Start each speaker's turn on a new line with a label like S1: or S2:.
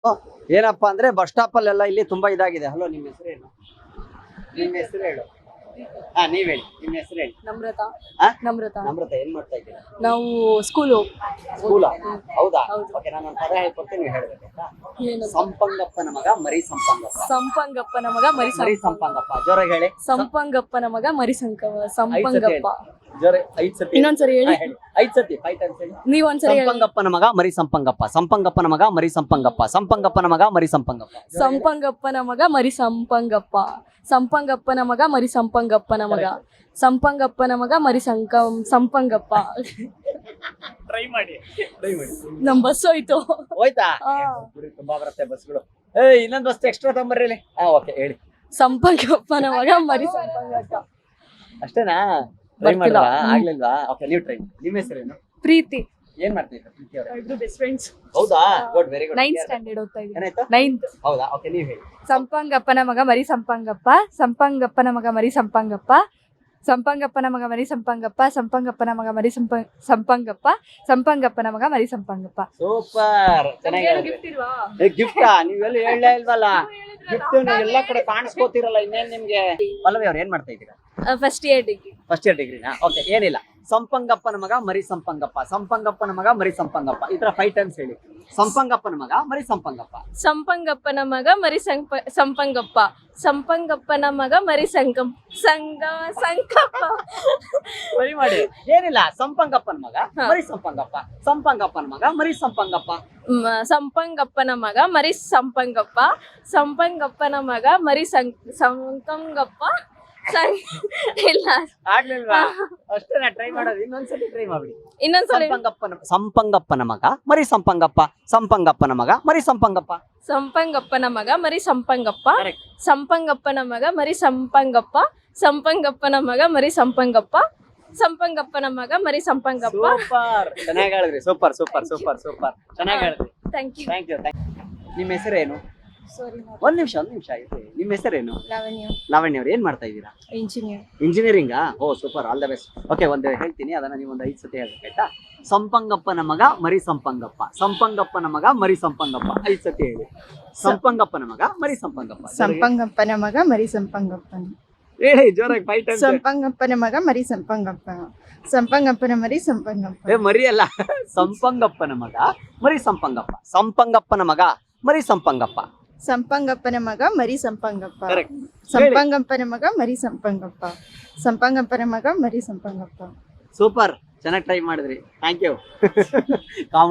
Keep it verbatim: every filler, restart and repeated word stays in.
S1: ಏನಪ್ಪಾ ಅಂದ್ರೆ bus stop ಅಲ್ಲೆಲ್ಲ ಇಲ್ಲಿ ತುಂಬಾ ಇದಾಗಿದೆ. ಹಲೋ, ನಿಮ್ಮ ಹೆಸರು ಏನು? ನಿಮ್ಮ ಹೆಸರು ಹೇಳು. ಹಾ, ನೀವ್ ಹೇಳಿ, ನಿಮ್ಮ ಹೆಸರು ಹೇಳಿ.
S2: ನಮ್ರತಾ.
S1: ಆ?
S2: ನಮ್ರತಾ.
S1: ನಮ್ರತ, ಏನ್ ಮಾಡ್ತಾ ಇದ್ದೀರಾ?
S2: ನಾವು ಸ್ಕೂಲು.
S1: ಸ್ಕೂಲ? ಹೌದಾ?
S2: ಹೌದು.
S1: ಓಕೆ, ನಾನು ಒಂದು ಪದ ಹೇಳ್ಕೊಡ್ತೀನಿ, ನೀವು ಹೇಳ್ಬೇಕಾ?
S2: ಏನು?
S1: ಸಂಪಂಗಪ್ಪನ ಮಗ ಮರಿ ಸಂಪಂಗಪ್ಪ.
S2: ಸಂಪಂಗಪ್ಪನ ಮಗ ಮರಿ
S1: ಮರಿ
S2: ಸಂಪಂಗ.
S1: ಸಂಪಂಗಪ್ಪ, ಜೋರಾಗಿ ಹೇಳಿ.
S2: ಸಂಪಂಗಪ್ಪನ ಮಗ ಮರಿ ಸಂಕ
S1: ಐದ್ ಸತಿ
S2: ಸಂಪಂಗಪ್ಪ.
S1: ಹೇಳಿ. ಜೋರ ಐದ್ ಸತಿ.
S2: ಇನ್ನೊಂದ್ಸರಿ ಹೇಳಿ.
S1: ಹಾ, ಹೇಳಿ. ಐದ್ ಸತಿ ಫೈವ್ ಟೈಮ್ಸ್ ಹೇಳಿ.
S2: ನೀವ್ ಒಂದ್ಸರಿ ಹೇಳಿ.
S1: ಸಂಪಂಗಪ್ಪನ ಮಗ ಮರಿ ಸಂಪಂಗಪ್ಪ. ಸಂಪಂಗಪ್ಪನ ಮಗ ಮರಿ ಸಂಪಂಗಪ್ಪ. ಸಂಪಂಗಪ್ಪನ ಮಗ ಮರಿ ಸಂಪಂಗಪ್ಪ.
S2: ಸಂಪಂಗಪ್ಪನ ಮಗ ಮರಿ ಸಂಪಂಗಪ್ಪ. ಸಂಪಂಗಪ್ಪನ ಮಗ ಮರಿ ಸಂಪಂಗಪ್ಪನ ಮಗ. ಸಂಪಂಗಪ್ಪನ ಮಗ ಮರಿ ಸಂಕ ಸಂಪಂಗಪ್ಪ.
S1: ಟ್ರೈ ಮಾಡಿ, ಟ್ರೈ ಮಾಡಿ.
S2: ನಮ್ ಬಸ್ ಹೋಯ್ತು.
S1: ಹೋಯ್ತಾ?
S2: ಹಾ.
S1: ಗುರಿ ತುಂಬಾ ಬರುತ್ತೆ ಬಸ್ಗಳು. ಏ, ಇನ್ನೊಂದು ಬಸ್ ಎಕ್ಸ್ಟ್ರಾ ತಗೊಂಬರ್ರಿ ಇಲ್ಲಿ. ಹಾ, ಓಕೆ, ಹೇಳಿ.
S2: ಸಂಪಂಗಪ್ಪನ ಮಗ ಮರಿ ಸಂಪಂಗಪ್ಪ.
S1: ಅಷ್ಟೇನಾ? ಟ್ರೈ
S2: ಬರ್ತಿಲ್ಲ.
S1: ಮಾಡಿದ್ರಾ? ಆಗ್ಲಿಲ್ವಾ? ಓಕೆ, ನೀವು ಟ್ರೈ ಮಾಡಿ. ನಿಮ್ಮ ಹೆಸರೇನು?
S2: ಪ್ರೀತಿ.
S1: ಏನ್ ಮಾಡ್ತಾ ಇದ್ದೀರಾ ಪ್ರೀತಿ ಅವರೇ?
S2: ಇಬ್ರು ಬೆಸ್ಟ್ ಫ್ರೆಂಡ್ಸ್.
S1: ಹೌದಾ? Good, very good.
S2: Ninth standard ಓದ್ತಾ ಇದ್ದೀನಿ.
S1: ಏನಾಯ್ತು?
S2: ನೈನ್ತ್.
S1: ಹೌದಾ? ಓಕೆ, ನೀವು ಹೇಳಿ.
S2: ಸಂಪಂಗಪ್ಪನ ಮಗ ಮರಿ ಸಂಪಂಗಪ್ಪ. ಸಂಪಂಗಪ್ಪನ ಮಗ ಮರಿ ಸಂಪಂಗಪ್ಪ. ಸಂಪಂಗಪ್ಪನ ಮಗ ಮರಿ ಸಂಪಂಗಪ್ಪ. ಸಂಪಂಗಪ್ಪನ ಮಗ ಮರಿ ಸಂಪ ಸಂಪಂಗಪ್ಪ. ಸಂಪಂಗಪ್ಪನ ಮಗ ಮರಿ ಸಂಪಂಗಪ್ಪ.
S1: ಸೂಪರ್, ಚೆನ್ನಾಗಿ ಹೇಳಿದ್ರಿ. ಗಿಫ್ಟಾ? ನೀವೆಲ್ಲ ಹೇಳಲೇ ಇಲ್ವಲ್ಲ. ಗಿಫ್ಟ್ ನೀವು ಎಲ್ಲ ಕಡೆ ಕಾಣಿಸ್ಕೋತಿರಲ್ಲ, ಇನ್ನೇನ್ ನಿಮ್ಗೆ? ಪಲ್ಲವಿ ಅವ್ರು ಏನ್ ಮಾಡ್ತಾ ಇದ್ದೀರಾ?
S2: First year degree.
S1: First year ಡಿಗ್ರಿನಾ? ಓಕೆ, ಏನಿಲ್ಲ. ಸಂಪಂಗಪ್ಪನ ಮಗ ಮರಿ ಸಂಪಂಗಪ್ಪ. ಸಂಪಂಗಪ್ಪನ ಮಗ ಮರಿ ಸಂಪಂಗಪ್ಪ. ಈ ತರ ಫೈವ್ ಟೈಮ್ಸ್ ಹೇಳಿ. ಸಂಪಂಗಪ್ಪನ ಮಗ ಮರಿ ಸಂಪಂಗಪ್ಪ.
S2: ಸಂಪಂಗಪ್ಪನ ಮಗ ಮರಿ ಸಂಪ ಸಂಪಂಗಪ್ಪ. ಸಂಪಂಗಪ್ಪನ ಮಗ ಮರಿ ಸಂಕಂ ಸಂಗ ಸಂಕಪ್ಪ.
S1: ಸರಿ ಮಾಡಿ. ಏನಿಲ್ಲ, ಸಂಪಂಗಪ್ಪನ ಮಗ ಮರಿ ಸಂಪಂಗಪ್ಪ. ಸಂಪಂಗಪ್ಪನ ಮಗ ಮರಿ ಸಂಪಂಗಪ್ಪ.
S2: ಮ- ಸಂಪಂಗಪ್ಪನ ಮಗ ಮರಿ ಸಂಪಂಗಪ್ಪ. ಸಂಪಂಗಪ್ಪನ ಮಗ ಮರಿ ಸಂ ಸಂಕಂಗಪ್ಪ. ಸಂ ಇಲ್ಲ
S1: ಆಗ್ಲಿಲ್ವಾ? ಅಷ್ಟೇನಾ ಟ್ರೈ ಮಾಡೋದು? ಇನ್ನೊಂದ್ಸತಿ ಟ್ರೈ ಮಾಡ್ಬಿಡಿ.
S2: ಇನ್ನೊಂದ್ಸಲ
S1: ಸಂಪಂಗಪ್ಪನ ಸಂಪಂಗಪ್ಪನ ಮಗ ಮರಿ ಸಂಪಂಗಪ್ಪ. ಸಂಪಂಗಪ್ಪನ ಮಗ ಮರಿ ಸಂಪಂಗಪ್ಪ.
S2: ಸಂಪಂಗಪ್ಪನ ಮಗ ಮರಿ ಸಂಪಂಗಪ್ಪ.
S1: Correct.
S2: ಸಂಪಂಗಪ್ಪನ ಮಗ ಮರಿ ಸಂಪಂಗಪ್ಪ. ಸಂಪಂಗಪ್ಪನ ಮಗ ಮರಿ ಸಂಪಂಗಪ್ಪ. ಸಂಪಂಗಪ್ಪನ ಮಗ ಮರಿ ಸಂಪಂಗಪ್ಪ.
S1: ಸೂಪರ್, ಚೆನ್ನಾಗಿ ಹೇಳಿದ್ರಿ. ಸೂಪರ್ ಸೂಪರ್ ಸೂಪರ್ ಸೂಪರ್ ಚೆನ್ನಾಗಿ ಹೇಳಿದ್ರಿ.
S2: Thank you.
S1: Thank you. ನಿಮ್ಮ ಹೆಸರೇನು?
S2: ಸಾರಿ.
S1: ಒಂದ್ ನಿಮಿಷ ಒಂದ್ ನಿಮಿಷ ಇರ್ರಿ. ನಿಮ್ಮ ಹೆಸರೇನು?
S2: ಲಾವಣ್ಯ.
S1: ಲಾವಣ್ಯ ಅವ್ರು ಏನ್ ಮಾಡ್ತಾ ಇದ್ದೀರಾ?
S2: ಇಂಜಿನಿಯರ್.
S1: ಇಂಜಿನಿಯರಿಂಗಾ? Oh super, all the best. Okay, ಒಂದು ಹೇಳ್ತೀನಿ, ಅದನ್ನ ನೀವು ಒಂದು ಐದು ಸತಿ ಹೇಳ್ಬೇಕಾಯ್ತಾ? ಸಂಪಂಗಪ್ಪನ ಮಗ ಮರಿ ಸಂಪಂಗಪ್ಪ. ಸಂಪಂಗಪ್ಪನ ಮಗ ಮರಿ ಸಂಪಂಗಪ್ಪ. ಐದು ಸತಿ ಹೇಳಿ. ಸಂಪಂಗಪ್ಪನ ಮಗ ಮರಿ ಸಂಪಂಗಪ್ಪ.
S3: ಸಂಪಂಗಪ್ಪನ ಮಗ ಮರಿ ಸಂಪಂಗಪ್ಪನ.
S1: ಹೇಳಿ ಜೋರಾಗಿ ಫೈವ್ ಟೈಮ್ಸ್.
S3: ಸಂಪಂಗಪ್ಪನ ಮಗ ಮರಿ ಸಂಪಂಗಪ್ಪ. ಸಂಪಂಗಪ್ಪನ ಮರಿ ಸಂಪಂಗಪ್ಪ.
S1: ಏ, ಮರಿ ಅಲ್ಲ, ಸಂಪಂಗಪ್ಪನ ಮಗ ಮರಿ ಸಂಪಂಗಪ್ಪ. ಸಂಪಂಗಪ್ಪನ ಮಗ ಮರಿ ಸಂಪಂಗಪ್ಪ.
S3: ಸಂಪಂಗಪ್ಪನ ಮಗ ಮರಿ ಸಂಪಂಗಪ್ಪ.
S1: Correct.
S3: ಸಂಪಂಗಪ್ಪನ ಮಗ ಮರಿ ಸಂಪಂಗಪ್ಪ. ಸಂಪಂಗಪ್ಪನ ಮಗ ಮರಿ ಸಂಪಂಗಪ್ಪ.
S1: ಸೂಪರ್, ಚೆನ್ನಾಗಿ ಟ್ರೈ ಮಾಡಿದ್ರಿ. Thank you.